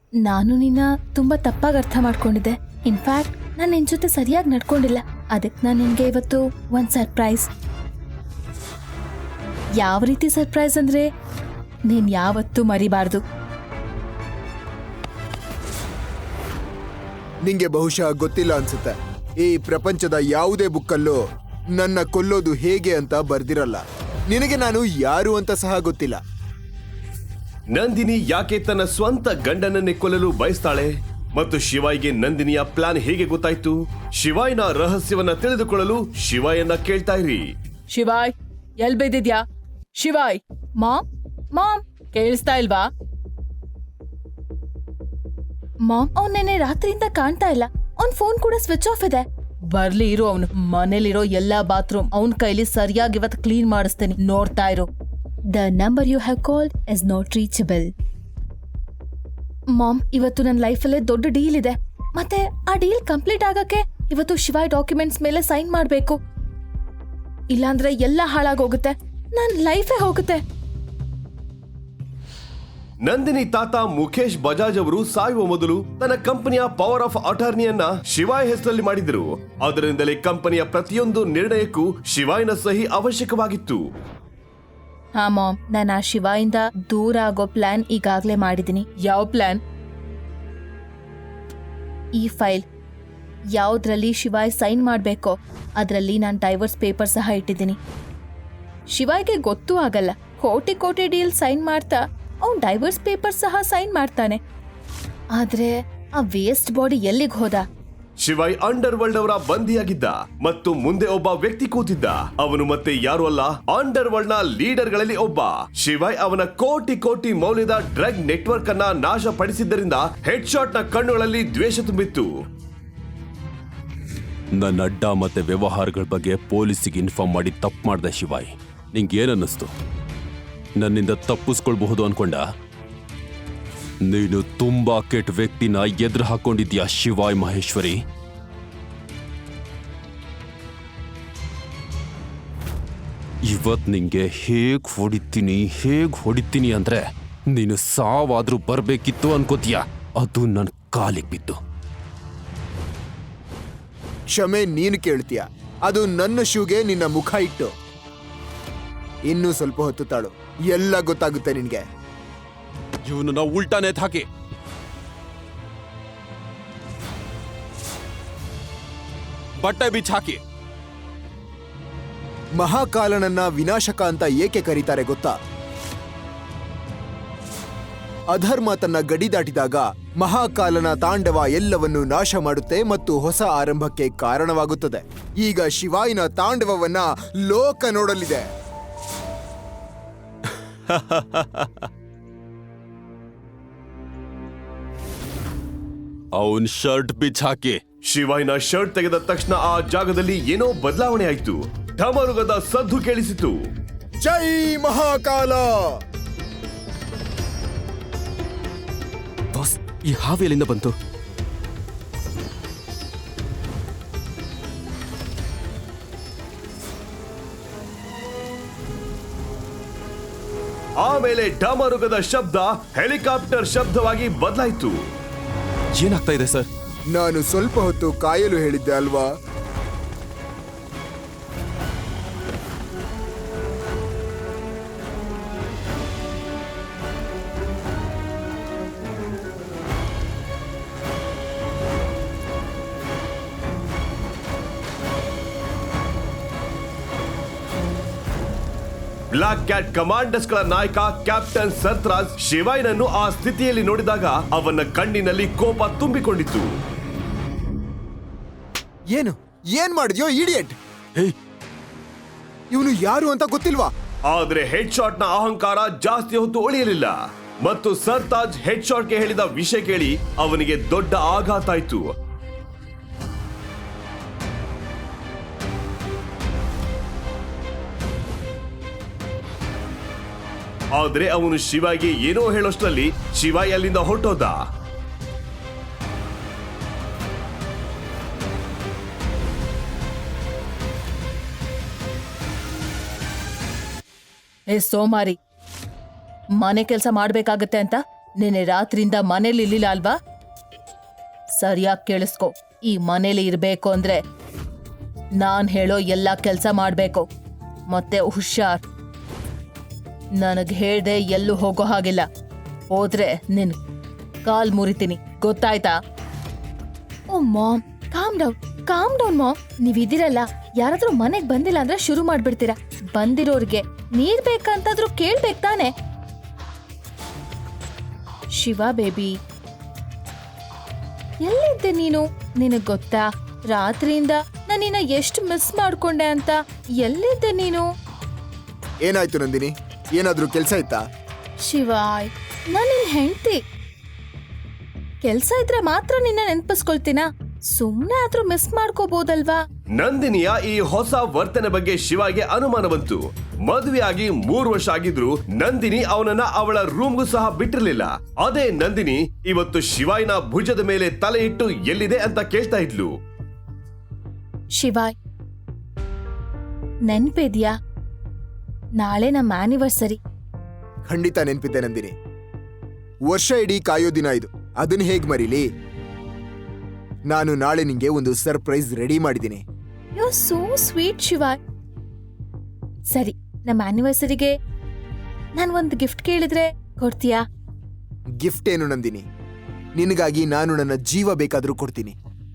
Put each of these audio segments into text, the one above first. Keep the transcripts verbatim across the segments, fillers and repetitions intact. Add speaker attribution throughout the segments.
Speaker 1: ನಾನು ನಿನ್ನ ತುಂಬಾ ತಪ್ಪಾಗಿ ಅರ್ಥ ಮಾಡ್ಕೊಂಡಿದ್ದೆ. ಇನ್ಫ್ಯಾಕ್ಟ್ ನಾನು ನಿನ್ ಜೊತೆ ಸರಿಯಾಗಿ ನಡ್ಕೊಂಡಿಲ್ಲ. ಅದಕ್ಕೆ ನಾನು ನಿನ್ಗೆ ಇವತ್ತು ಒಂದ್ ಸರ್ಪ್ರೈಸ್. ಯಾವ ರೀತಿ ಸರ್ಪ್ರೈಸ್ ಅಂದ್ರೆ ನೀನ್ ಯಾವತ್ತೂ ಮರಿಬಾರ್ದು.
Speaker 2: ನಿಂಗೆ ಬಹುಶಃ ಗೊತ್ತಿಲ್ಲ ಅನ್ಸುತ್ತೆ, ಈ ಪ್ರಪಂಚದ ಯಾವುದೇ ಬುಕ್ಕಲ್ಲೂ ನನ್ನ ಕೊಲ್ಲೋದು ಹೇಗೆ ಅಂತ ಬರ್ದಿರಲ್ಲ. ನಿನಗೆ ನಾನು ಯಾರು ಅಂತ ಸಹ ಗೊತ್ತಿಲ್ಲ.
Speaker 3: ನಂದಿನಿ ಯಾಕೆ ತನ್ನ ಸ್ವಂತ ಗಂಡನನ್ನೇ ಕೊಲ್ಲಲು ಬಯಸ್ತಾಳೆ ಮತ್ತು ಶಿವಾಯ್ಗೆ ನಂದಿನಿಯ ಪ್ಲಾನ್ ಹೇಗೆ ಗೊತ್ತಾಯ್ತು? ಶಿವಾಯ್ನ ರಹಸ್ಯವನ್ನ ತಿಳಿದುಕೊಳ್ಳಲು ಶಿವಾಯನ್ನ ಕೇಳ್ತಾ ಇರಿ.
Speaker 1: ಶಿವಾಯ್, ಎಲ್ ಬೈದಿದ್ಯಾ? ಶಿವಾಯ್, ಮಾಮ್ ಮಾಮ್ ಕೇಳಿಸ್ತಾ ಇಲ್ವಾ? ಮಾಮ್, ಅವ್ನ್ ನೆನೆ ರಾತ್ರಿಯಿಂದ ಕಾಣ್ತಾ ಇಲ್ಲ. ಅವ್ನ್ ಫೋನ್ ಕೂಡ ಸ್ವಿಚ್ ಆಫ್ ಇದೆ. ಬರ್ಲಿ ಇರು, ಅವನು ಮನೇಲಿರೋ ಎಲ್ಲಾ ಬಾತ್ರೂಮ್ ಅವನ್ ಕೈಲಿ ಸರಿಯಾಗಿ ಇವತ್ತು ಕ್ಲೀನ್ ಮಾಡಿಸ್ತೇನೆ, ನೋಡ್ತಾ ಇರು. The number you have called is not reachable. Mom, ಇವತ್ತು ನನ್ನ ಲೈಫಲ್ಲೇ ದೊಡ್ಡ ಡೀಲ್ ಇದೆ. ಮತ್ತೆ ಆ ಡೀಲ್ ಕಂಪ್ಲೀಟ್ ಆಗಕ್ಕೆ ಇವತ್ತು ಶಿವಾಯ್ ಡಾಕ್ಯುಮೆಂಟ್ಸ್ ಮೇಲೆ ಸೈನ್ ಮಾಡ್ಬೇಕು. ಇಲ್ಲಾಂದ್ರೆ ಎಲ್ಲ ಹಾಳಾಗೋಗುತ್ತೆ, ನನ್ ಲೈಫೇ ಹೋಗುತ್ತೆ.
Speaker 3: ನಂದಿನಿ ತಾತ ಮುಖೇಶ್ ಬಜಾಜ್ ಅವರು ಸಾಯುವ ಮೊದಲು ತನ್ನ ಕಂಪನಿಯ ಪವರ್ ಆಫ್ ಅಟಾರ್ನಿಯನ್ನ ಶಿವಾಯ್ ಹೆಸರಲ್ಲಿ ಮಾಡಿದ್ರು. ಅದರಿಂದಲೇ ಕಂಪನಿಯ ಪ್ರತಿಯೊಂದು ನಿರ್ಣಯಕ್ಕೂ ಶಿವಾಯ್ನ ಸಹಿ ಅವಶ್ಯಕವಾಗಿತ್ತು.
Speaker 1: ಹಾ ಮಾಮ್, ನಾನು ಆ ಶಿವಾಯಿಂದ ದೂರ ಆಗೋ ಪ್ಲಾನ್ ಈಗಾಗ್ಲೇ ಮಾಡಿದೀನಿ. ಯಾವ ಪ್ಲಾನ್? ಈ ಫೈಲ್ ಯಾವ್ದ್ರಲ್ಲಿ ಶಿವಾಯ್ ಸೈನ್ ಮಾಡ್ಬೇಕೋ ಅದ್ರಲ್ಲಿ ನಾನು ಡೈವರ್ಸ್ ಪೇಪರ್ ಸಹ ಇಟ್ಟಿದ್ದೀನಿ. ಶಿವಾಯ್ಗೆ ಗೊತ್ತೂ ಆಗಲ್ಲ. ಕೋಟಿ ಕೋಟಿ ಡೀಲ್ ಸೈನ್ ಮಾಡ್ತಾ ಅವ್ನ್ ಡೈವರ್ಸ್ ಪೇಪರ್ ಸಹ ಸೈನ್ ಮಾಡ್ತಾನೆ. ಆದ್ರೆ ಆ ವೇಸ್ಟ್ ಬಾಡಿ ಎಲ್ಲಿಗೆ ಹೋದ?
Speaker 3: ಶಿವಾಯ್ ಅಂಡರ್ ವರ್ಲ್ಡ್ ಅವರ ಬಂದಿಯಾಗಿದ್ದ ಮತ್ತು ಮುಂದೆ ಒಬ್ಬ ವ್ಯಕ್ತಿ ಕೂತಿದ್ದ. ಅವನು ಮತ್ತೆ ಯಾರು ಅಲ್ಲ, ಅಂಡರ್ ವರ್ಲ್ಡ್ ನ ಲೀಡರ್ ಗಳಲ್ಲಿ ಒಬ್ಬ. ಶಿವಾಯ್ ಅವನ ಕೋಟಿ ಕೋಟಿ ಮೌಲ್ಯದ ಡ್ರಗ್ ನೆಟ್ವರ್ಕ್ ಅನ್ನ ನಾಶಪಡಿಸಿದ್ದರಿಂದ ಹೆಡ್ ಶಾಟ್ ನ ಕಣ್ಣುಗಳಲ್ಲಿ ದ್ವೇಷ ತುಂಬಿತ್ತು.
Speaker 4: ನನ್ನ ಅಡ್ಡ ಮತ್ತೆ ವ್ಯವಹಾರಗಳ ಬಗ್ಗೆ ಪೊಲೀಸಿಗೆ ಇನ್ಫಾರ್ಮ್ ಮಾಡಿ ತಪ್ಪು ಮಾಡ್ದೆ ಶಿವಾಯ್. ನಿಂಗೆ ಏನನ್ನಿಸ್ತು? ನನ್ನಿಂದ ತಪ್ಪಿಸ್ಕೊಳ್ಬಹುದು ಅನ್ಕೊಂಡ? ನೀನು ತುಂಬಾ ಕೆಟ್ಟ ವ್ಯಕ್ತಿನ ಎದುರು ಹಾಕೊಂಡಿದ್ಯಾ ಶಿವಾಯ್ ಮಹೇಶ್ವರಿ. ಇವತ್ ನಿಂಗೆ ಹೇಗ್ ಹೊಡಿತೀನಿ ಹೇಗ್ ಹೊಡಿತೀನಿ ಅಂದ್ರೆ ನೀನು ಸಾವಾದ್ರೂ ಬರ್ಬೇಕಿತ್ತು ಅನ್ಕೋತೀಯ. ಅದು ನನ್ ಕಾಲಿಗೆ ಬಿದ್ದು.
Speaker 2: ಕ್ಷಮೆ ನೀನು ಕೇಳ್ತೀಯ, ಅದು ನನ್ನ ಶೂಗೆ ನಿನ್ನ ಮುಖ ಇಟ್ಟು. ಇನ್ನೂ ಸ್ವಲ್ಪ ಹೊತ್ತು ತಾಳು, ಎಲ್ಲ ಗೊತ್ತಾಗುತ್ತೆ ನಿನ್ಗೆ.
Speaker 4: ಇವನನ್ನ ಉಲ್ಟಾನೆ ಹಾಕಿ. ಬಟ್ಟೆ ಬಿಚ್ಚ ಹಾಕಿ.
Speaker 2: ಮಹಾಕಾಲನನ್ನ ವಿನಾಶಕ ಅಂತ ಏಕೆ ಕರೀತಾರೆ ಗೊತ್ತಾ? ಅಧರ್ಮ ತನ್ನ ಗಡಿ ದಾಟಿದಾಗ ಮಹಾಕಾಲನ ತಾಂಡವ ಎಲ್ಲವನ್ನು ನಾಶ ಮಾಡುತ್ತೆ ಮತ್ತು ಹೊಸ ಆರಂಭಕ್ಕೆ ಕಾರಣವಾಗುತ್ತದೆ. ಈಗ ಶಿವಾಯಿನ ತಾಂಡವವನ್ನ ಲೋಕ ನೋಡಲಿದೆ.
Speaker 4: ಅವನ್ ಶರ್ಟ್ ಬಿಚ್ಚ ಹಾಕಿ.
Speaker 3: ಶಿವಾಯ್ನ ಶರ್ಟ್ ತೆಗೆದ ತಕ್ಷಣ ಆ ಜಾಗದಲ್ಲಿ ಏನೋ ಬದಲಾವಣೆ ಆಯ್ತು. ಢಮರುಗದ ಸದ್ದು ಕೇಳಿಸಿತು.
Speaker 2: ಜೈ ಮಹಾಕಾಲ!
Speaker 4: ಬಾಸ್, ಈ ಹಾವು ಎಲ್ಲಿಂದ ಬಂತು?
Speaker 3: ಆಮೇಲೆ ಡಮರುಗದ ಶಬ್ದ ಹೆಲಿಕಾಪ್ಟರ್ ಶಬ್ದವಾಗಿ ಬದಲಾಯಿತು.
Speaker 4: ಏನಾಗ್ತಾ ಇದೆ ಸರ್?
Speaker 2: ನಾನು ಸ್ವಲ್ಪ ಹೊತ್ತು ಕಾಯಲು ಹೇಳಿದ್ದೆ ಅಲ್ವಾ?
Speaker 3: ಬ್ಲಾಕ್ ಕ್ಯಾಟ್ ಕಮಾಂಡರ್ಸ್ ಗಳ ನಾಯಕ ಕ್ಯಾಪ್ಟನ್ ಸರ್ತ್ರಾಜ್ ಶಿವಾಯ್ನನ್ನು ಆ ಸ್ಥಿತಿಯಲ್ಲಿ ನೋಡಿದಾಗ ಅವನ ಕಣ್ಣಿನಲ್ಲಿ ಕೋಪ ತುಂಬಿಕೊಂಡಿತ್ತು.
Speaker 2: ಏನು ಏನ್ ಮಾಡಿದ್ಯೋ ಇಡಿಯಟ್?
Speaker 4: ಹೇ,
Speaker 2: ಇವನು ಯಾರು ಅಂತ ಗೊತ್ತಿಲ್ವಾ?
Speaker 3: ಆದ್ರೆ ಹೆಡ್ ಶಾಟ್ ನ ಅಹಂಕಾರ ಜಾಸ್ತಿ ಹೊತ್ತು ಉಳಿಯಲಿಲ್ಲ ಮತ್ತು ಸರ್ತಾಜ್ ಹೆಡ್ ಶಾಟ್ಗೆ ಹೇಳಿದ ವಿಷಯ ಕೇಳಿ ಅವನಿಗೆ ದೊಡ್ಡ ಆಘಾತ ಆಯ್ತು. ಆದ್ರೆ ಅವನು ಶಿವಾಯ್ಗೆ ಏನೋ ಹೇಳೋಷ್ಟರಲ್ಲಿ ಶಿವಾಯ್ ಅಲ್ಲಿಂದ ಹೊರಟೋದ.
Speaker 1: ಏ ಸೋಮಾರಿ, ಮನೆ ಕೆಲಸ ಮಾಡ್ಬೇಕಾಗತ್ತೆ ಅಂತ ನೆನೆ ರಾತ್ರಿಯಿಂದ ಮನೇಲಿ ಇರ್ಲಿಲ್ಲ ಅಲ್ವಾ? ಸರಿಯಾಗಿ ಕೇಳಿಸ್ಕೊ, ಈ ಮನೇಲಿ ಇರ್ಬೇಕು ಅಂದ್ರೆ ನಾನ್ ಹೇಳೋ ಎಲ್ಲ ಕೆಲ್ಸ ಮಾಡ್ಬೇಕು. ಮತ್ತೆ ಹುಷಾರ್, ನನಗ್ ಹೇಳ್ದೆ ಎಲ್ಲೂ ಹೋಗೋ ಹಾಗಿಲ್ಲ. ಹೋದ್ರೆ ನಿನ್ ಕಾಲ್ ಮುರಿತೀನಿ, ಗೊತ್ತಾಯ್ತಾ? Oh mom, calm down calm down mom. ನೀವಿದಿರಲ್ಲ, ಯಾರಾದ್ರೂ ಮನೆಗ್ ಬಂದಿಲ್ಲ ಅಂದ್ರೆ ಶುರು ಮಾಡ್ಬಿಡ್ತೀರಾ. ಬಂದಿರೋರ್ಗೆ ನೀರ್ ಬೇಕಂತಾದ್ರೂ ಕೇಳ್ಬೇಕ್ ತಾನೆ. ಶಿವ ಬೇಬಿ, ಎಲ್ಲಿದ್ದೆ ನೀನು? ನಿನಗ್ ಗೊತ್ತಾ, ರಾತ್ರಿಯಿಂದ ನಾನು ನಿನ್ನ ಎಷ್ಟು ಮಿಸ್ ಮಾಡ್ಕೊಂಡೆ ಅಂತ. ಎಲ್ಲಿದ್ದೆ ನೀನು?
Speaker 2: ಏನಾಯ್ತು ನಂದಿನಿ? ಏನಾದ್ರೂ ಕೆಲ್ಸ ಇತ್ತಾ?
Speaker 1: ಶಿವಾಯ್, ನಾನು ನಿನ್ ಹೆಂಡ್ತಿ. ಕೆಲ್ಸ ಇದ್ರೆ ಮಾತ್ರ ನಿನ್ನ ನೆನ್ಪಿಸ್ಕೊಳ್ತೀನಾ? ಸುಮ್ನೆ ಆದ್ರೂ ಮಿಸ್ ಮಾಡ್ಕೋಬಹುದಲ್ವಾ?
Speaker 3: ನಂದಿನಿಯ ಈ ಹೊಸ ವರ್ತನೆ ಬಗ್ಗೆ ಶಿವಾಗೆ ಅನುಮಾನ ಬಂತು. ಮದುವೆಯಾಗಿ ಮೂರು ವರ್ಷ ಆಗಿದ್ರು ನಂದಿನಿ ಅವನನ್ನ ಅವಳ ರೂಮ್ಗೂ ಸಹ ಬಿಟ್ಟಿರ್ಲಿಲ್ಲ. ಅದೇ ನಂದಿನಿ ಇವತ್ತು ಶಿವಾಯ್ನ ಭುಜದ ಮೇಲೆ ತಲೆ ಇಟ್ಟು ಎಲ್ಲಿದೆ ಅಂತ ಕೇಳ್ತಾ ಇದ್ಲು.
Speaker 1: ಶಿವಾಯ್, ನೆನ್ಪಿದ್ಯಾ? ನಾಳೆ ನಮ್ಮ ಆನಿವರ್ಸರಿ.
Speaker 2: ಖಂಡಿತ ನೆನ್ಪಿದ್ದೆ ನಂದಿನಿ. ವರ್ಷ ಇಡೀ ಕಾಯೋ ದಿನ ಇದು, ಅದನ್ನ ಹೇಗ್ ಮರೀಲಿ? ನಾನು ನಾಳೆ ನಿಂಗೆ ಒಂದು ಸರ್ಪ್ರೈಸ್ ರೆಡಿ ಮಾಡಿದ್ದೀನಿ.
Speaker 1: You so sweet Shivay. ಸರಿ, ನಮ್ಮ ಆನಿವರ್ಸರಿಗೆ ನಾನು ಒಂದು ಗಿಫ್ಟ್ ಕೇಳಿದ್ರೆ ಕೊಡ್ತೀಯಾ?
Speaker 2: ಗಿಫ್ಟ್ ಏನು ನಂದಿನಿ? ನಿನಗಾಗಿ ನಾನು ನನ್ನ ಜೀವ ಬೇಕಾದ್ರೂ ಕೊಡ್ತೀನಿ.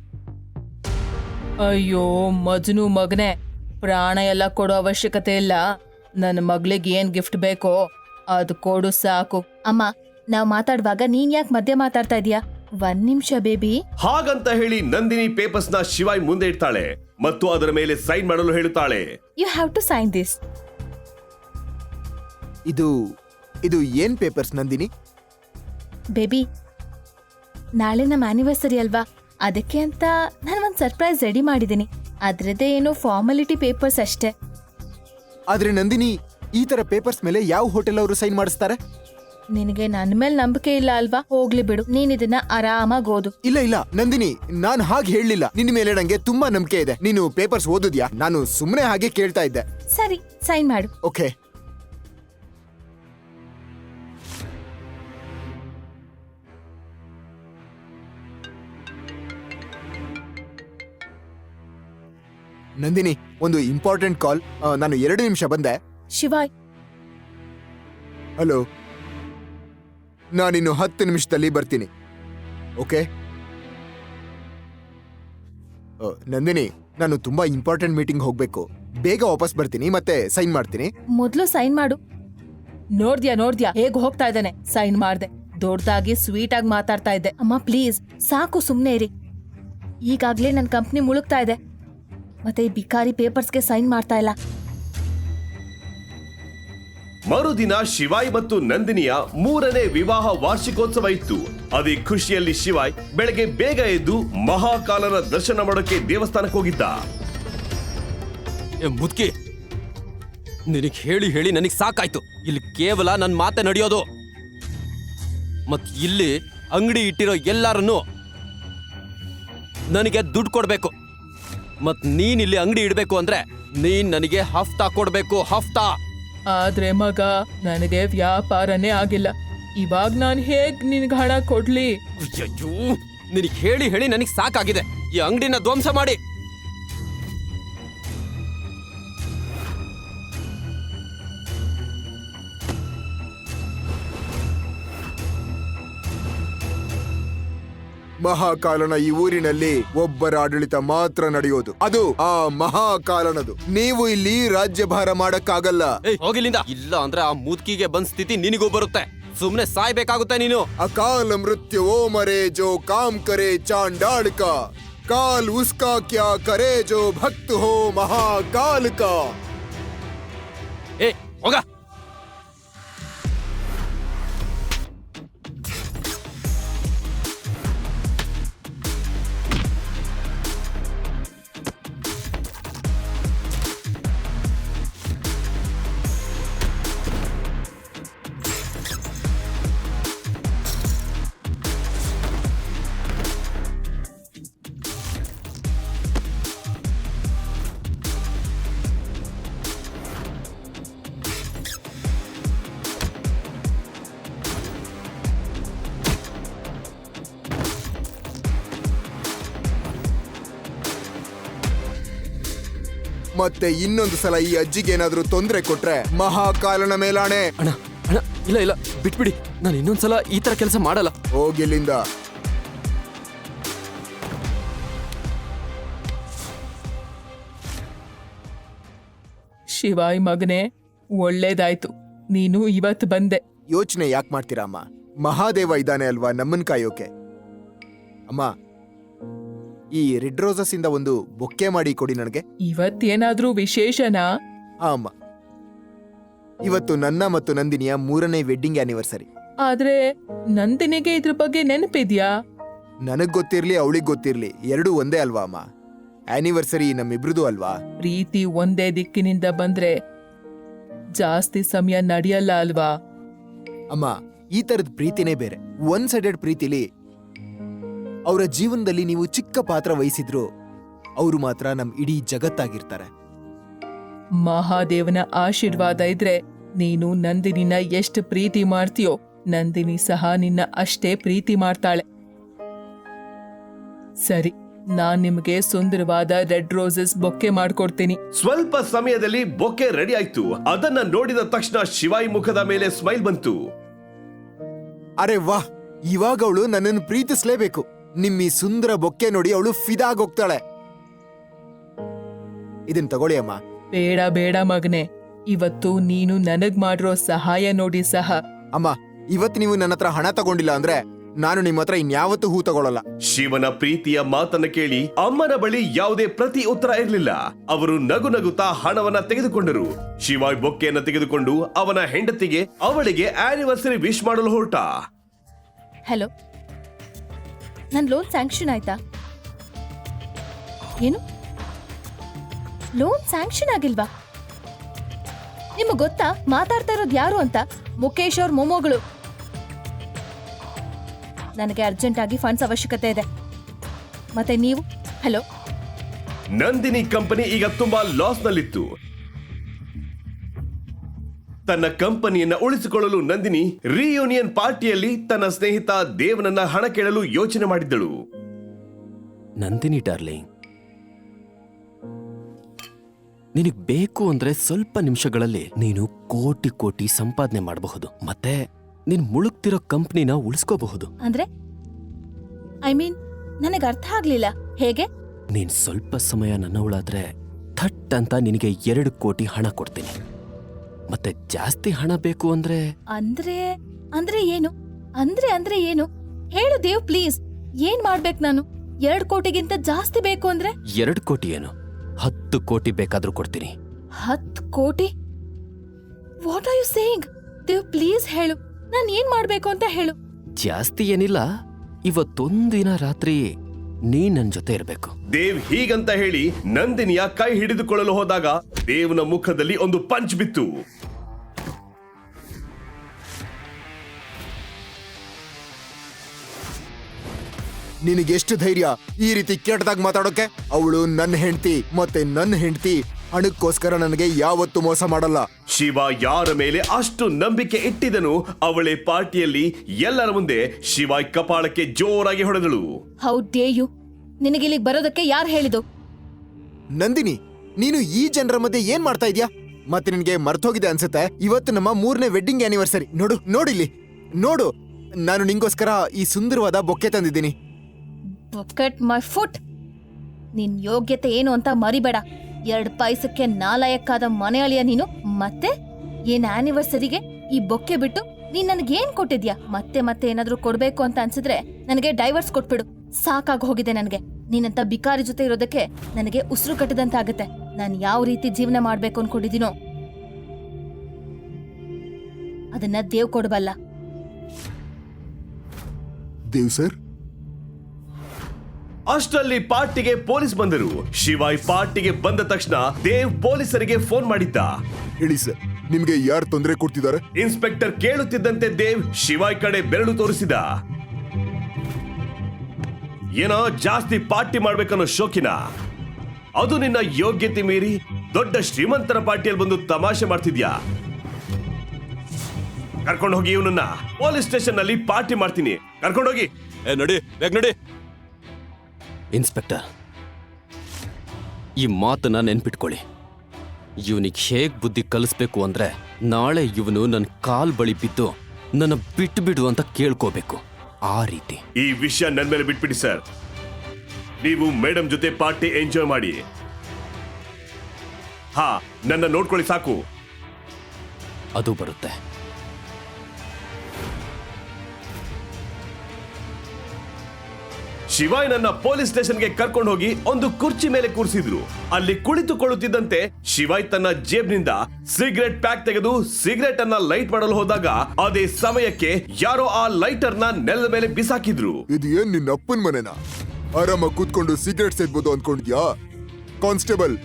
Speaker 1: ಅಯ್ಯೋ ಮಜ್ನು ಮಗನೆ, ಪ್ರಾಣ ಎಲ್ಲ ಕೊಡೋ ಅವಶ್ಯಕತೆ ಇಲ್ಲ. ನನ್ನ ಮಗಳಿಗೆ ಏನ್ ಗಿಫ್ಟ್ ಬೇಕೋ ಅದು ಕೊಡು ಸಾಕು. ಅಮ್ಮ, ನಾವ್ ಮಾತಾಡುವಾಗ ನೀನ್ ಯಾಕೆ ಮಧ್ಯೆ ಮಾತಾಡ್ತಾ ಇದೀಯಾ? ಒಂದ್ ನಿಮಿಷ ಬೇಬಿ.
Speaker 3: ಹಾಗಂತ ಹೇಳಿ ನಂದಿನಿ ಪೇಪರ್ಸ್ ನ ಶಿವಾಯ್ ಮುಂದೆ ಇಡ್ತಾಳೆ ಮತ್ತು ಅದರ ಮೇಲೆ ಸೈನ್ ಮಾಡಲು ಹೇಳುತ್ತಾಳೆ.
Speaker 1: You have to sign this.
Speaker 2: ಇದು ಇದು ಏನ್ ಪೇಪರ್ಸ್ ನಂದಿನಿ?
Speaker 1: ಬೇಬಿ, ನಾಳೆ ನಮ್ಮ ಆನಿವರ್ಸರಿ ಅಲ್ವಾ, ಅದಕ್ಕೆ ಅಂತ ನಾನು ಒಂದು ಸರ್ಪ್ರೈಸ್ ರೆಡಿ ಮಾಡಿದ್ದೀನಿ. ಅದ್ರದ್ದೇ ಏನೋ ಫಾರ್ಮಾಲಿಟಿ ಪೇಪರ್ಸ್ ಅಷ್ಟೇ.
Speaker 2: ಆದ್ರೆ ನಂದಿನಿ, ಈ ತರ ಪೇಪರ್ಸ್ ಮೇಲೆ ಯಾವ ಹೋಟೆಲ್ ಅವರು ಸೈನ್ ಮಾಡಿಸ್ತಾರೆ?
Speaker 1: ನಿನಗೆ ನನ್ನ ಮೇಲೆ ನಂಬಿಕೆ ಇಲ್ಲ ಅಲ್ವಾ? ಹೋಗ್ಲಿ ಬಿಡು, ನೀನ್ ಇದನ್ನ ಆರಾಮಾಗಿ ಓದು.
Speaker 2: ಇಲ್ಲ ಇಲ್ಲ ನಂದಿನಿ, ನಾನ್ ಹಾಗೆ ಹೇಳಲಿಲ್ಲ. ನಿನ್ನ ಮೇಲೆ ನಂಗೆ ತುಂಬಾ ನಂಬಿಕೆ ಇದೆ. ನೀನು ಪೇಪರ್ಸ್ ಓದಿದ್ಯಾ? ನಾನು ಸುಮ್ಮನೆ ಹಾಗೆ ಕೇಳ್ತಾ ಇದ್ದೆ.
Speaker 1: ಸರಿ, ಸೈನ್ ಮಾಡು.
Speaker 2: ಓಕೆ. ನಂದಿನಿ, ಒಂದು ಇಂಪಾರ್ಟೆಂಟ್ ಕಾಲ್. ನಾನು ಎರಡು ನಿಮಿಷ ಬಂದೆ.
Speaker 1: ಶಿವಾಯ್,
Speaker 2: ಹಲೋ, ನಾನಿನ್ನು ಹತ್ತು ನಿಮಿಷದಲ್ಲಿ ಬರ್ತೀನಿ. ಓಕೆ? ಅ, ನಂದಿನಿ, ನಾನು ತುಂಬಾ ಇಂಪಾರ್ಟೆಂಟ್ ಮೀಟಿಂಗ್ ಹೋಗ್ಬೇಕು. ಬೇಗ ವಾಪಸ್ ಬರ್ತೀನಿ, ಮತ್ತೆ ಸೈನ್ ಮಾಡ್ತೀನಿ.
Speaker 1: ಮೊದ್ಲು ಸೈನ್ ಮಾಡು. ನೋಡ್ದ್ಯಾ ನೋಡ್ದ್ಯಾ ಹೇಗ್ ಹೋಗ್ತಾ ಇದ್ದಾನೆ? ಸೈನ್ ಮಾಡ್ದೆ. ದೊಡ್ಡದಾಗಿ ಸ್ವೀಟ್ ಆಗಿ ಮಾತಾಡ್ತಾ ಇದ್ದೆ. ಅಮ್ಮ ಪ್ಲೀಸ್ ಸಾಕು, ಸುಮ್ನೆ ಇರಿ. ಈಗಾಗ್ಲೇ ನನ್ನ ಕಂಪ್ನಿ ಮುಳುಗ್ತಾ ಇದೆ, ಮತ್ತೆ ಈ ಬಿಕಾರಿ ಪೇಪರ್ಸ್ಗೆ ಸೈನ್ ಮಾಡ್ತಾ ಇಲ್ಲ.
Speaker 3: ಮರುದಿನ ಶಿವಾಯ್ ಮತ್ತು ನಂದಿನಿಯ ಮೂರನೇ ವಿವಾಹ ವಾರ್ಷಿಕೋತ್ಸವ ಇತ್ತು. ಅದೇ ಖುಷಿಯಲ್ಲಿ ಶಿವಾಯ್ ಬೆಳಗ್ಗೆ ಬೇಗ ಎದ್ದು ಮಹಾಕಾಲನ ದರ್ಶನ ಮಾಡೋಕೆ ದೇವಸ್ಥಾನಕ್ಕೆ ಹೋಗಿದ್ದ.
Speaker 4: ಏ ಮುದ್ಕಿ, ನಿನಗೆ ಹೇಳಿ ಹೇಳಿ ನನಗೆ ಸಾಕಾಯ್ತು. ಇಲ್ಲಿ ಕೇವಲ ನನ್ನ ಮಾತೆ ನಡೆಯೋದು. ಮತ್ ಇಲ್ಲಿ ಅಂಗಡಿ ಇಟ್ಟಿರೋ ಎಲ್ಲಾರನ್ನು ನನಗೆ ದುಡ್ಡು ಕೊಡ್ಬೇಕು. ಮತ್ ನೀನ್ ಇಲ್ಲಿ ಅಂಗಡಿ ಇಡ್ಬೇಕು ಅಂದ್ರೆ ನೀನ್ ನನಗೆ ಹಫ್ತಾ ಕೊಡ್ಬೇಕು, ಹಫ್ತಾ.
Speaker 1: ಆದ್ರೆ ಮಗ, ನನಗೆ ವ್ಯಾಪಾರನೇ ಆಗಿಲ್ಲ. ಇವಾಗ ನಾನು ಹೇಗ್ ನಿನ್ಗೆ ಹಣ ಕೊಡ್ಲಿ?
Speaker 4: ಅಯ್ಯಯ್ಯೋ, ನಿನಗೆ ಹೇಳಿ ಹೇಳಿ ನನಗೆ ಸಾಕಾಗಿದೆ. ಈ ಅಂಗಡಿನ ಧ್ವಂಸ ಮಾಡಿ.
Speaker 2: ಮಹಾಕಾಲನ ಈ ಊರಿನಲ್ಲಿ ಒಬ್ಬರ ಆಡಳಿತ ಮಾತ್ರ ನಡೆಯೋದು, ಅದು ಆ ಮಹಾಕಾಲನದು. ನೀವು ಇಲ್ಲಿ ರಾಜ್ಯಭಾರ ಮಾಡಕ್ಕಾಗಲ್ಲ.
Speaker 4: ಏಯ್, ಹೋಗಿಲ್ಲಿಂದ. ಇಲ್ಲ ಅಂದ್ರೆ ಆ ಮುದ್ಕಿಗೆ ಬಂದ್ ಸ್ಥಿತಿ ನಿನಗೂ ಬರುತ್ತೆ. ಸುಮ್ನೆ ಸಾಯ್ಬೇಕಾಗುತ್ತೆ ನೀನು.
Speaker 2: ಅಕಾಲ ಮೃತ್ಯು ಓ ಮರೆ ಜೋ ಕಾಮ್ ಕರೆ ಚಾಂಡಾಳ ಕಾ, ಕಾಲ್ ಉಸ್ಕಾ ಕ್ಯಾ ಕರೆ ಜೋ ಭಕ್ತ ಹೋ ಮಹಾಕಾಲ ಕಾ.
Speaker 4: ಏ ಹೋಗ.
Speaker 2: ಮತ್ತೆ ಇನ್ನೊಂದು ಸಲ ಈ ಅಜ್ಜಿಗೆ ಏನಾದ್ರೂ ತೊಂದರೆ ಕೊಟ್ರೆ ಮಹಾಕಾಲನ ಮೇಲಾಣೆ.
Speaker 4: ಅಣ್ಣ ಅಣ್ಣ ಇಲ್ಲ ಇಲ್ಲ ಬಿಟ್ಬಿಡಿ, ನಾನು ಇನ್ನೊಂದ್ಸಲ ಈ ತರ ಕೆಲಸ ಮಾಡಲ್ಲ.
Speaker 2: ಹೋಗಿಲ್ಲಿಂದ.
Speaker 5: ಶಿವಾಯ್ ಮಗನೇ, ಒಳ್ಳೇದಾಯ್ತು ನೀನು ಇವತ್ತು ಬಂದೆ.
Speaker 2: ಯೋಚನೆ ಯಾಕೆ ಮಾಡ್ತೀರಾ ಅಮ್ಮ? ಮಹಾದೇವ ಇದ್ದಾನೆ ಅಲ್ವಾ ನಮ್ಮನ್ ಕಾಯೋಕೆ. ಅಮ್ಮ, ಈ ರೆಡ್ ರೋಸಸ್ ಇಂದ ಒಂದು ಬೊಕ್ಕೆ ಮಾಡಿ ಕೊಡಿ ನನಗೆ.
Speaker 5: ಇವತ್ತೇನಾದ್ರೂ ವಿಶೇಷನಾ?
Speaker 2: ಆ ಅಮ್ಮ, ಇವತ್ತು ನನ್ನ ಮತ್ತು ನಂದಿನಿಯ ಮೂರನೇ ವೆಡ್ಡಿಂಗ್ ಆನಿವರ್ಸರಿ.
Speaker 5: ಆದ್ರೆ ನಂದಿನಿಗೆ ಇದ್ರ ಬಗ್ಗೆ ನೆನಪಿದ್ಯಾ?
Speaker 2: ನನಗ್ ಗೊತ್ತಿರ್ಲಿ ಅವಳಿಗೆ ಗೊತ್ತಿರ್ಲಿ, ಎರಡೂ ಒಂದೇ ಅಲ್ವಾ ಅಮ್ಮ? ಆನಿವರ್ಸರಿ ನಮ್ಮಿಬ್ರದು ಅಲ್ವಾ?
Speaker 5: ಪ್ರೀತಿ ಒಂದೇ ದಿಕ್ಕಿನಿಂದ ಬಂದ್ರೆ ಜಾಸ್ತಿ ಸಮಯ ನಡೆಯಲ್ಲ ಅಲ್ವಾ?
Speaker 2: ಅಮ್ಮ, ಈ ತರದ ಪ್ರೀತಿನೇ ಬೇರೆ. ಒನ್ ಸೈಡೆಡ್ ಪ್ರೀತಿಲಿ ಅವರ ಜೀವನದಲ್ಲಿ ನೀವು ಚಿಕ್ಕ ಪಾತ್ರ ವಹಿಸಿದ್ರು ಅವರು ಮಾತ್ರ ನಮ್ ಇಡೀ ಜಗತ್ತಾಗಿರ್ತಾರೆ.
Speaker 5: ಮಹಾದೇವನ ಆಶೀರ್ವಾದ ಇದ್ರೆ ನೀನು ನಂದಿನಿನ ಎಷ್ಟು ಪ್ರೀತಿ ಮಾಡ್ತೀಯೋ ನಂದಿನಿ ಸಹ ನಿನ್ನ ಅಷ್ಟೇ ಪ್ರೀತಿ ಮಾಡ್ತಾಳೆ. ಸರಿ, ನಾನ್ ನಿಮ್ಗೆ ಸುಂದರವಾದ ರೆಡ್ ರೋಸಸ್ ಬೊಕ್ಕೆ ಮಾಡ್ಕೊಡ್ತೀನಿ.
Speaker 3: ಸ್ವಲ್ಪ ಸಮಯದಲ್ಲಿ ಬೊಕ್ಕೆ ರೆಡಿ ಆಯ್ತು. ಅದನ್ನ ನೋಡಿದ ತಕ್ಷಣ ಶಿವಾಯಿ ಮುಖದ ಮೇಲೆ ಸ್ಮೈಲ್ ಬಂತು.
Speaker 2: ಅರೆ ವಾಹ್, ಇವಾಗ ಅವಳು ನನ್ನನ್ನು ಪ್ರೀತಿಸ್ಲೇಬೇಕು. ನಿಮ್ಮಿ ಸುಂದರ ಬೊಕ್ಕೆ ನೋಡಿ ಅವಳು ಫಿದಾಗೋಗ್ತಾಳೆ. ಇದನ್ ತಗೊಳ್ಳಿ ಅಮ್ಮ.
Speaker 5: ಬೇಡ ಬೇಡ ಮಗನೆ, ಇವತ್ತು ನೀನು ನನಗ್ ಮಾಡಿರೋ ಸಹಾಯ ನೋಡಿ ಸಹ.
Speaker 2: ಅಮ್ಮ, ಇವತ್ತು ನೀವು ನನ್ನ ಹತ್ರ ಹಣ ತಗೊಂಡಿಲ್ಲ ಅಂದ್ರೆ ನಾನು ನಿಮ್ಮ ಹತ್ರ ಇನ್ಯಾವತ್ತೂ ಹೂ ತಗೊಳ್ಳಲ್ಲ.
Speaker 3: ಶಿವನ ಪ್ರೀತಿಯ ಮಾತನ್ನ ಕೇಳಿ ಅಮ್ಮನ ಬಳಿ ಯಾವುದೇ ಪ್ರತಿ ಉತ್ತರ ಇರಲಿಲ್ಲ. ಅವರು ನಗು ನಗುತ್ತಾ ಹಣವನ್ನ ತೆಗೆದುಕೊಂಡರು. ಶಿವಾಯ್ ಬೊಕ್ಕೆಯನ್ನ ತೆಗೆದುಕೊಂಡು ಅವನ ಹೆಂಡತಿಗೆ ಅವಳಿಗೆ ಆನಿವರ್ಸರಿ ವಿಶ್ ಮಾಡಲು ಹೊರಟ.
Speaker 1: ಹಲೋ, ನನ್ ಲೋನ್ ಸ್ಯಾಂಕ್ಷನ್ ಆಯ್ತಾ? ಏನು, ಲೋನ್ ಸ್ಯಾಂಕ್ಷನ್ ಆಗಿಲ್ವಾ? ನಿಮಗ್ ಗೊತ್ತಾ ಮಾತಾಡ್ತಾ ಇರೋದು ಯಾರು ಅಂತ? ಮುಖೇಶ್ ಅವ್ರ ಮೊಮ್ಮಗಳು. ನನಗೆ ಅರ್ಜೆಂಟ್ ಆಗಿ ಫಂಡ್ಸ್ ಅವಶ್ಯಕತೆ ಇದೆ. ಮತ್ತೆ ನೀವು? ಹಲೋ,
Speaker 3: ನಂದಿನಿ ಕಂಪನಿ ಈಗ ತುಂಬಾ ಲಾಸ್ ನಲ್ಲಿತ್ತು. ತನ್ನ ಕಂಪನಿಯನ್ನ ಉಳಿಸಿಕೊಳ್ಳಲು ನಂದಿನಿ ರಿಯೂನಿಯನ್ ಪಾರ್ಟಿಯಲ್ಲಿ ತನ್ನ ಸ್ನೇಹಿತ ದೇವನನ್ನ ಹಣ ಕೇಳಲು ಯೋಚನೆ ಮಾಡಿದ್ದಳು.
Speaker 4: ನಂದಿನಿ ಡಾರ್ಲಿಂಗ್, ನಿನಗ್ ಬೇಕು ಅಂದ್ರೆ ಸ್ವಲ್ಪ ನಿಮಿಷಗಳಲ್ಲಿ ನೀನು ಕೋಟಿ ಕೋಟಿ ಸಂಪಾದನೆ ಮಾಡಬಹುದು. ಮತ್ತೆ ನೀನ್ ಮುಳುಗ್ತಿರೋ ಕಂಪ್ನಿನ ಉಳಿಸ್ಕೋಬಹುದು.
Speaker 1: ಅಂದ್ರೆ ಐ ಮೀನ್ ನನಗೆ ಅರ್ಥ ಆಗ್ಲಿಲ್ಲ. ಹೇಗೆ?
Speaker 4: ನೀನ್ ಸ್ವಲ್ಪ ಸಮಯ ನನ್ನವಳಾದ್ರೆ ಥಟ್ ಅಂತ ನಿನಗೆ ಎರಡು ಕೋಟಿ ಹಣ ಕೊಡ್ತೀನಿ. ಮತ್ತೆ ಜಾಸ್ತಿ ಹಣ ಬೇಕು ಅಂದ್ರೆ
Speaker 1: ಅಂದ್ರೆ ಅಂದ್ರೆ ಏನು? ಅಂದ್ರೆ ಅಂದ್ರೆ ಏನು ಹೇಳು ದೇವ್, ಪ್ಲೀಸ್. ಏನ್ ಮಾಡ್ಬೇಕು ನಾನು? ಎರಡ್ ಕೋಟಿಗಿಂತ ಜಾಸ್ತಿ ಬೇಕು ಅಂದ್ರೆ?
Speaker 4: ಎರಡು ಕೋಟಿ ಏನು, ಹತ್ತು ಕೋಟಿ ಬೇಕಾದ್ರೂ ಕೊಡ್ತೀನಿ.
Speaker 1: ಹತ್ತು ಕೋಟಿ? What are you saying? Dev, please ಹೇಳು. ನಾನ್ ಏನ್ ಮಾಡ್ಬೇಕು ಅಂತ ಹೇಳು.
Speaker 4: ಜಾಸ್ತಿ ಏನಿಲ್ಲ, ಇವತ್ತೊಂದಿನ ರಾತ್ರಿ ನೀ ನನ್ ಜೊತೆ ಇರ್ಬೇಕು.
Speaker 3: ದೇವ್ ಹೀಗಂತ ಹೇಳಿ ನಂದಿನಿಯ ಕೈ ಹಿಡಿದುಕೊಳ್ಳಲು ಹೋದಾಗ ದೇವ್ನ ಮುಖದಲ್ಲಿ ಒಂದು ಪಂಚ್ ಬಿತ್ತು.
Speaker 2: ನಿನಗೆಷ್ಟು ಧೈರ್ಯ ಈ ರೀತಿ ಕೆಟ್ಟದಾಗ ಮಾತಾಡೋಕೆ? ಅವಳು ನನ್ನ ಹೆಂಡತಿ, ಮತ್ತೆ ನನ್ನ ಹೆಂಡತಿ ಹಣಕ್ಕೋಸ್ಕರ ನನಗೆ ಯಾವತ್ತೂ ಮೋಸ ಮಾಡಲ್ಲ.
Speaker 3: ಶಿವ ಯಾರ ಮೇಲೆ ಅಷ್ಟು ನಂಬಿಕೆ ಇಟ್ಟಿದನು, ಅವಳೇ ಪಾರ್ಟಿಯಲ್ಲಿ ಎಲ್ಲರ ಮುಂದೆ ಶಿವಾಯ್ ಕಪಾಳಕ್ಕೆ ಜೋರಾಗಿ ಹೊಡೆದಳು.
Speaker 1: How dare you? ನಿನಗಿಲ್ಲಿಗೆ ಬರೋದಕ್ಕೆ ಯಾರು ಹೇಳಿದು?
Speaker 2: ನಂದಿನಿ, ನೀನು ಈ ಜನರ ಮಧ್ಯೆ ಏನ್ ಮಾಡ್ತಾ ಇದ್ಯಾ? ಮತ್ತೆ ನಿನ್ಗೆ ಮರ್ತೋಗಿದೆ ಅನ್ಸುತ್ತೆ, ಇವತ್ತು ನಮ್ಮ ಮೂರನೇ ವೆಡ್ಡಿಂಗ್ ಆನಿವರ್ಸರಿ. ನೋಡು ನೋಡಿಲ್ಲಿ ನೋಡು, ನಾನು ನಿಂಗೋಸ್ಕರ ಈ ಸುಂದರವಾದ ಬೊಕ್ಕೆ ತಂದಿದ್ದೀನಿ.
Speaker 1: Bucket my foot. ನಿನ್ ಯೋಗ್ಯತೆ ಏನು ಅಂತ ಮರಿಬೇಡ. ಎರಡ್ ಪೈಸಕ್ಕೆ ನಾಲಾಯಕ್ಕಾದ ಮನೆ ಅಳಿಯ ನೀನು. ಮತ್ತೆ ಏನ್ ಆನಿವರ್ಸರಿಗೆ ಈ ಬೊಕ್ಕೆ ಬಿಟ್ಟು ನೀನ್ ನನಗೇನ್ ಕೊಟ್ಟಿದ್ಯಾ? ಮತ್ತೆ ಮತ್ತೆ ಏನಾದ್ರೂ ಕೊಡ್ಬೇಕು ಅಂತ ಅನ್ಸಿದ್ರೆ ನನಗೆ ಡೈವರ್ಸ್ ಕೊಟ್ಬಿಡು. ಸಾಕಾಗಿ ಹೋಗಿದೆ ನನಗೆ. ನೀನಂತ ಬಿಕಾರಿ ಜೊತೆ ಇರೋದಕ್ಕೆ ನನಗೆ ಉಸಿರು ಕಟ್ಟದಂತಾಗತ್ತೆ. ನಾನು ಯಾವ ರೀತಿ ಜೀವನ ಮಾಡ್ಬೇಕು ಅನ್ಕೊಂಡಿದ್ದೀನೋ ಅದನ್ನ ದೇವ್ ಕೊಡಬಲ್ಲ.
Speaker 2: ದೇವ್ ಸರ್.
Speaker 3: ಅಷ್ಟರಲ್ಲಿ ಪಾರ್ಟಿಗೆ ಪೊಲೀಸ್ ಬಂದರು. ಶಿವಾಯ್ ಪಾರ್ಟಿಗೆ ಬಂದ ತಕ್ಷಣ ದೇವ್ ಪೊಲೀಸರಿಗೆ ಫೋನ್ ಮಾಡಿದ್ದ.
Speaker 2: ಹೇಳಿ ಸರ್, ನಿಮ್ಗೆ ಯಾರು ತೊಂದರೆ ಕೊಡ್ತಿದ್ದಾರೆ?
Speaker 3: ಇನ್ಸ್ಪೆಕ್ಟರ್ ಕೇಳುತ್ತಿದ್ದಂತೆ ದೇವ್ ಶಿವಾಯ್ ಕಡೆ ಬೆರಳು ತೋರಿಸಿದ. ಏನೋ ಜಾಸ್ತಿ ಪಾರ್ಟಿ ಮಾಡ್ಬೇಕನ್ನೋ ಶೋಕಿನ? ಅದು ನಿನ್ನ ಯೋಗ್ಯತೆ ಮೀರಿ ದೊಡ್ಡ ಶ್ರೀಮಂತರ ಪಾರ್ಟಿಯಲ್ಲಿ ಬಂದು ತಮಾಷೆ ಮಾಡ್ತಿದ್ಯಾ? ಕರ್ಕೊಂಡು ಹೋಗಿ ಇವನನ್ನ. ಪೊಲೀಸ್ ಸ್ಟೇಷನ್ ನಲ್ಲಿ ಪಾರ್ಟಿ ಮಾಡ್ತೀನಿ, ಕರ್ಕೊಂಡೋಗಿ.
Speaker 4: ನಡಿ ಬೇಗ ನಡಿ. ಇನ್ಸ್ಪೆಕ್ಟರ್, ಈ ಮಾತನ್ನ ನೆನ್ಪಿಟ್ಕೊಳ್ಳಿ. ಇವನಿಗೆ ಹೇಗ್ ಬುದ್ಧಿ ಕಲಿಸ್ಬೇಕು ಅಂದ್ರೆ ನಾಳೆ ಇವನು ನನ್ನ ಕಾಲ್ ಬಳಿ ಬಿದ್ದು ನನ್ನ ಬಿಟ್ಟು ಬಿಡು ಅಂತ ಕೇಳ್ಕೋಬೇಕು. ಆ ರೀತಿ.
Speaker 3: ಈ ವಿಷಯ ನನ್ ಮೇಲೆ ಬಿಟ್ಬಿಡಿ ಸರ್. ನೀವು ಮೇಡಮ್ ಜೊತೆ ಪಾರ್ಟಿ ಎಂಜಾಯ್ ಮಾಡಿ. ಹಾ, ನನ್ನ ನೋಡ್ಕೊಳ್ಳಿ ಸಾಕು.
Speaker 4: ಅದು ಬರುತ್ತೆ.
Speaker 3: ಶಿವಾಯ್ ನನ್ನ ಪೊಲೀಸ್ ಸ್ಟೇಷನ್ಗೆ ಕರ್ಕೊಂಡು ಹೋಗಿ ಒಂದು ಕುರ್ಚಿ ಮೇಲೆ ಕೂರಿಸಿದ್ರು. ಅಲ್ಲಿ ಕುಳಿತುಕೊಳ್ಳುತ್ತಿದ್ದಂತೆ ಶಿವಾಯ್ ತನ್ನ ಜೇಬ್ನಿಂದ ಸಿಗರೆಟ್ ಪ್ಯಾಕ್ ತೆಗೆದು ಸಿಗರೆಟ್ ಅನ್ನ ಲೈಟ್ ಮಾಡಲು ಹೋದಾಗ ಅದೇ ಸಮಯಕ್ಕೆ ಯಾರೋ ಆ ಲೈಟರ್ ನ ನೆಲದ ಮೇಲೆ ಬಿಸಾಕಿದ್ರು.
Speaker 2: ಇದು ಏನ್ ನಿನ್ನ ಅಪ್ಪನ್ ಮನೆನಾ? ಆರಾಮಾಗಿ ಕೂತ್ಕೊಂಡು ಸಿಗರೆಟ್ ಸೇದ್ಬೋದು ಅನ್ಕೊಂಡಿದ್ಯಾ? ಕಾನ್ಸ್ಟೇಬಲ್,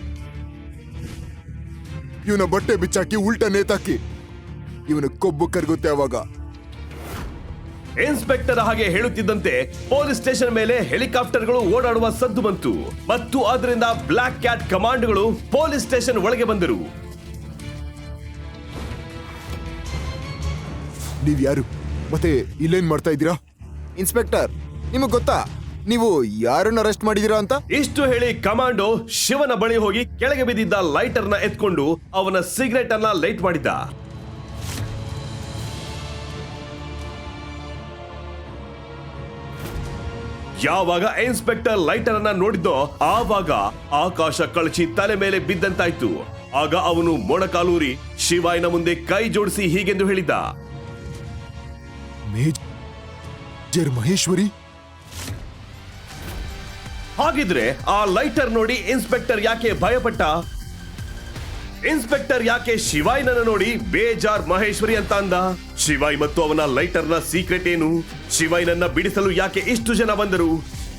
Speaker 2: ಇವನ ಬಟ್ಟೆ ಬಿಚ್ಚಾಕಿ ಉಲ್ಟಾ ನೇತಾಕಿ. ಇವನ ಕೊಬ್ಬು ಕರಗುತ್ತೆ. ಅವಾಗ
Speaker 3: ಇನ್ಸ್ಪೆಕ್ಟರ್ ಹಾಗೆ ಹೇಳುತ್ತಿದ್ದಂತೆ ಪೊಲೀಸ್ ಸ್ಟೇಷನ್ ಮೇಲೆ ಹೆಲಿಕಾಪ್ಟರ್ಗಳು ಓಡಾಡುವ ಸದ್ದು ಬಂತು ಮತ್ತು ಅದರಿಂದ ಬ್ಲಾಕ್ ಕ್ಯಾಟ್ ಕಮಾಂಡ್ಗಳು ಪೊಲೀಸ್ ಸ್ಟೇಷನ್ ಒಳಗೆ ಬಂದರು.
Speaker 2: ನೀವ್ ಯಾರು ಮತ್ತೆ ಇಲ್ಲೇನ್ ಮಾಡ್ತಾ ಇದ್ದೀರಾ? ಇನ್ಸ್ಪೆಕ್ಟರ್, ನಿಮಗ್ ಗೊತ್ತಾ ನೀವು ಯಾರನ್ನ ಅರೆಸ್ಟ್ ಮಾಡಿದೀರಾ ಅಂತ?
Speaker 3: ಇಷ್ಟು ಹೇಳಿ ಕಮಾಂಡೋ ಶಿವನ ಬಳಿ ಹೋಗಿ ಕೆಳಗೆ ಬಿದ್ದಿದ್ದ ಲೈಟರ್ ನ ಎತ್ಕೊಂಡು ಅವನ ಸಿಗರೆಟ್ ಅನ್ನ ಲೈಟ್ ಮಾಡಿದ್ದ. ಯಾವಾಗ ಇನ್ಸ್ಪೆಕ್ಟರ್ ಲೈಟರ್ ಅನ್ನ ನೋಡಿದ್ದೋ ಆವಾಗ ಆಕಾಶ ಕಳಚಿ ತಲೆ ಮೇಲೆ ಬಿದ್ದಂತಾಯ್ತು. ಆಗ ಅವನು ಮೊಣಕಾಲೂರಿ ಶಿವಾಯ್ನ ಮುಂದೆ ಕೈ ಜೋಡಿಸಿ ಹೀಗೆಂದು ಹೇಳಿದ,
Speaker 2: ಮೇಜರ್ ಮಹೇಶ್ವರಿ.
Speaker 3: ಹಾಗಿದ್ರೆ ಆ ಲೈಟರ್ ನೋಡಿ ಇನ್ಸ್ಪೆಕ್ಟರ್ ಯಾಕೆ ಭಯಪಟ್ಟ? ಇನ್ಸ್ಪೆಕ್ಟರ್ ಯಾಕೆ ಶಿವಾಯ್ನನ್ನ ನೋಡಿ ಬೇಜಾರ್ ಮಹೇಶ್ವರಿ ಅಂತ ಅಂದ? ಶಿವಾಯ್ ಮತ್ತು ಅವನ ಲೈಟರ್ ನ ಸೀಕ್ರೆಟ್ ಏನು? ಶಿವಾಯ್ನನ್ನ ಬಿಡಿಸಲು ಯಾಕೆ ಇಷ್ಟು ಜನ ಬಂದರು?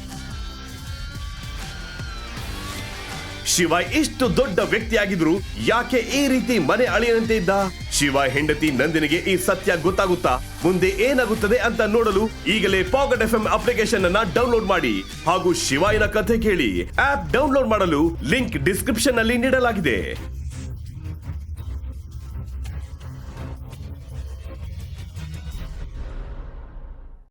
Speaker 3: ಶಿವಾಯ್ ಇಷ್ಟು ದೊಡ್ಡ ವ್ಯಕ್ತಿಯಾಗಿದ್ರು ಯಾಕೆ ಈ ರೀತಿ ಮನೆ ಅಳಿಯಂತೆ ಇದ್ದ? ಶಿವಾಯ್ ಹೆಂಡತಿ ನಂದಿನಿಗೆ ಈ ಸತ್ಯ ಗೊತ್ತಾಗುತ್ತಾ? ಮುಂದೆ ಏನಾಗುತ್ತದೆ ಅಂತ ನೋಡಲು ಈಗಲೇ ಪಾಕೆಟ್ ಎಫ್ ಎಂ ಅಪ್ಲಿಕೇಶನ್ ಅನ್ನ ಡೌನ್ಲೋಡ್ ಮಾಡಿ ಹಾಗೂ ಶಿವಾಯ್ನ ಕಥೆ ಕೇಳಿ. ಆಪ್ ಡೌನ್ಲೋಡ್ ಮಾಡಲು ಲಿಂಕ್ ಡಿಸ್ಕ್ರಿಪ್ಷನ್ ನಲ್ಲಿ ನೀಡಲಾಗಿದೆ.